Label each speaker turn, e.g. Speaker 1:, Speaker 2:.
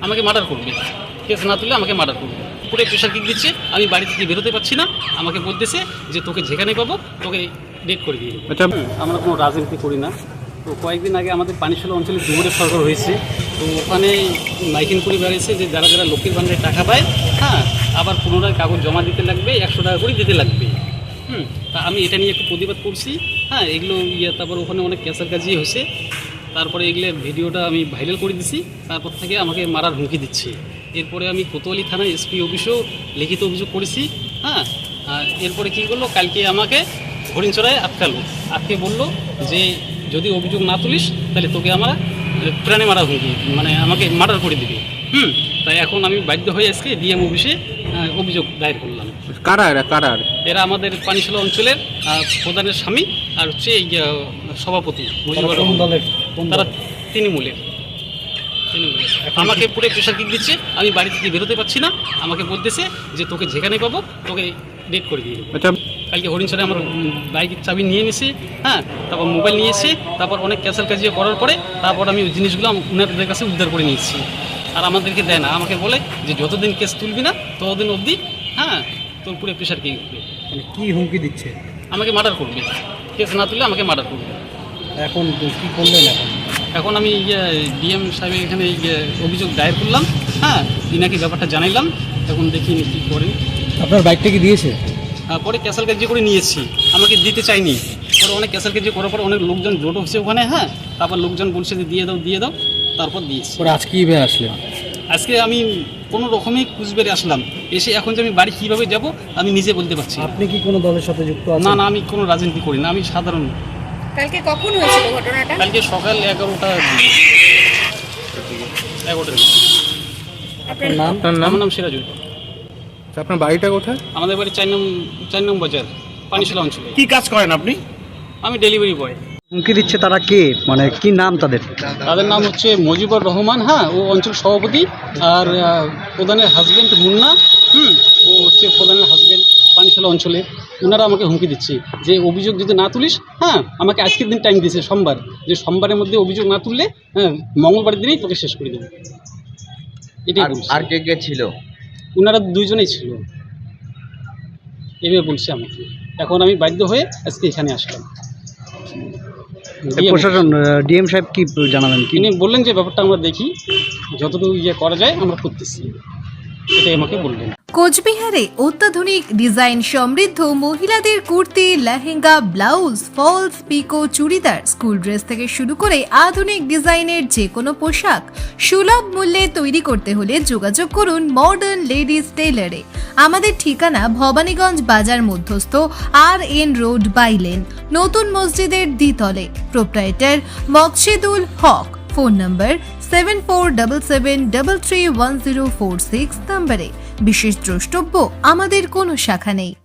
Speaker 1: আমাকে মার্ডার করবে, কেস না তুললে আমাকে মার্ডার করবে। পুরো প্রেশার কিক দিচ্ছে, আমি বাড়ি থেকে বেরোতে পারছি না। আমাকে বলতেছে যে তোকে যেখানে পাবো তোকে ডেট করে দিয়ে দেবো।
Speaker 2: আচ্ছা,
Speaker 1: আমরা কোনো রাজনীতি করি না। তো কয়েকদিন আগে আমাদের পানিশালা অঞ্চলে ডুমুরের সরকার হয়েছে, তো ওখানে মাইকিং করে বেরিয়েছে যে যারা যারা লক্ষ্মীর ভাণ্ডারে টাকা পায়, হ্যাঁ, আবার পুনরায় কাগজ জমা দিতে লাগবে, 100 টাকা করে দিতে লাগবে। তা আমি এটা নিয়ে একটু প্রতিবাদ করছি। হ্যাঁ, এগুলো তারপর ওখানে অনেক ক্যাসার কাজি হয়েছে। তারপরে এগুলো ভিডিওটা আমি ভাইরাল করে দিছি, তারপর থেকে আমাকে মারার হুমকি দিচ্ছে। এরপরে আমি কোতোয়ালি থানায় এসপি অফিসেও লিখিত অভিযোগ করেছি। হ্যাঁ, আর এরপরে কী করলো, কালকে আমাকে হরিণচড়ায় আটকে বললো যে যদি অভিযোগ না তুলিস তাহলে তোকে আমরা প্রাণে মারা হুমকি, মানে আমাকে মার্ডার করে দিবি। তাই এখন আমি বাধ্য হয়ে আজকে ডিএম অফিসে অভিযোগ দায়ের করলাম।
Speaker 2: কারা
Speaker 1: এরা আমাদের পানিশালা অঞ্চলের প্রধানের স্বামী আর হচ্ছে সভাপতি মুজিবুর রহমান। তারা তৃণমূলের। আমাকে পুরো প্রেশার কিক দিচ্ছে, আমি বাড়ি থেকে বেরোতে পারছি না। আমাকে বলতেছে যে তোকে যেখানে পাবো তোকে ডেট করে দিয়ে দেবো।
Speaker 2: আচ্ছা,
Speaker 1: কালকে হরিণচরে আমার বাইকের চাবি নিয়ে নিয়েছে। হ্যাঁ, তারপর মোবাইল নিয়ে এসে তারপর অনেক ক্যাসাল কাজিয়ে করার পরে তারপর আমি ওই জিনিসগুলো ওনাদের কাছে উদ্ধার করে নিয়েছি। আর আমাদেরকে দেয় না, আমাকে বলে যে যতদিন কেস তুলবি না ততদিন অবধি, হ্যাঁ, তোর পুরো প্রেশার কি উঠবে।
Speaker 3: মানে কি হুমকি দিচ্ছে?
Speaker 1: আমাকে মার্ডার করবে, কেস না তুললে আমাকে মার্ডার করবে।
Speaker 3: এখন কি করলেন?
Speaker 1: এখন আমি ডিএম সাহেবের এখানে অভিযোগ দায়ের করলাম। হ্যাঁ, ইনাকে ব্যাপারটা জানাইলাম, এখন দেখি কী করেন।
Speaker 3: আপনার বাইকটা কি দিয়েছে?
Speaker 1: পরে ক্যাসাল কাজি করে নিয়েছি, আমাকে দিতে চাইনি। পরে অনেক ক্যাসাল কাজি করার পর অনেক লোকজন জোট হচ্ছে ওখানে। হ্যাঁ, তারপর লোকজন বলছে যে দিয়ে দাও, তারপর দিয়েছি।
Speaker 3: পরে আজকে কীভাবে আসলেন?
Speaker 1: আজকে আমি কোনো রকমই কুচবেড়ে আসলাম, এসে এখন যে আমি বাড়ি কীভাবে যাব আমি নিজে বলতে পারছি না।
Speaker 3: আপনি কি কোনো দলের সাথে যুক্ত আছেন?
Speaker 1: না, আমি কোনো রাজনীতি করি না, আমি সাধারণ।
Speaker 4: কালকে কখন হয়েছিল ঘটনাটা?
Speaker 1: কালকে সকাল 11টা।
Speaker 4: আপনার
Speaker 3: নাম?
Speaker 1: আমার নাম সিরাজুল।
Speaker 2: আপনার বাড়িটা কোথায়?
Speaker 1: আমাদের বাড়ি 4 নম্বর বাজার, পানিশালা অঞ্চলে।
Speaker 2: কি কাজ করেন আপনি?
Speaker 1: আমি ডেলিভারি বয়।
Speaker 3: হুমকি দিচ্ছে তারা কে? মানে কি নাম তাদের?
Speaker 1: তাদের নাম হচ্ছে মুজিবুর রহমান, হ্যাঁ, ও অঞ্চল সভাপতি। আর প্রধানের হাজব্যান্ড মুন্না, ও হচ্ছে প্রধানের হাজব্যান্ড পানিশালা অঞ্চলে। ওনারা আমাকে হুমকি দিচ্ছে যে অভিযোগ যদি না তুলিস, হ্যাঁ, আমাকে আজকের দিন টাইম দিয়েছে সোমবার, যে সোমবারের মধ্যে অভিযোগ না তুললে, হ্যাঁ, মঙ্গলবারের দিনেই তোকে শেষ করে দেবে। এটাই বলছে।
Speaker 5: আর কে ছিল?
Speaker 1: ওনারা 2 জনেই ছিল, এভাবে বলছে আমাকে। এখন আমি বাধ্য হয়ে আজকে এখানে আসলাম।
Speaker 3: প্রশাসন ডিএম সাহেব কি জানাবেন? কি
Speaker 1: তিনি বললেন যে ব্যাপারটা আমরা দেখি, যতটুকু করা যায় আমরা করতেছি, এটাই আমাকে বললেন।
Speaker 6: কোচবিহারে অত্যাধুনিক ডিজাইন সমৃদ্ধ মহিলাদের kurti, lehenga, blouse, falls, picot, churidar, school dress থেকে শুরু করে আধুনিক ডিজাইনের যে কোনো পোশাক সুলভ মূল্যে তৈরি করতে হলে যোগাযোগ করুন মডার্ন লেডিস টেইলারে। আমাদের ঠিকানা ভবানীগঞ্জ বাজার মধ্যস্থ RN রোড বাইলেন, নতুন মসজিদের দ্বিতলে। প্রোপ্রাইটার মকসেদুল হক। ফোন নম্বর 7477331046 নম্বরে। বিশেষ দ্রষ্টব্য, আমাদের কোনো শাখা নেই।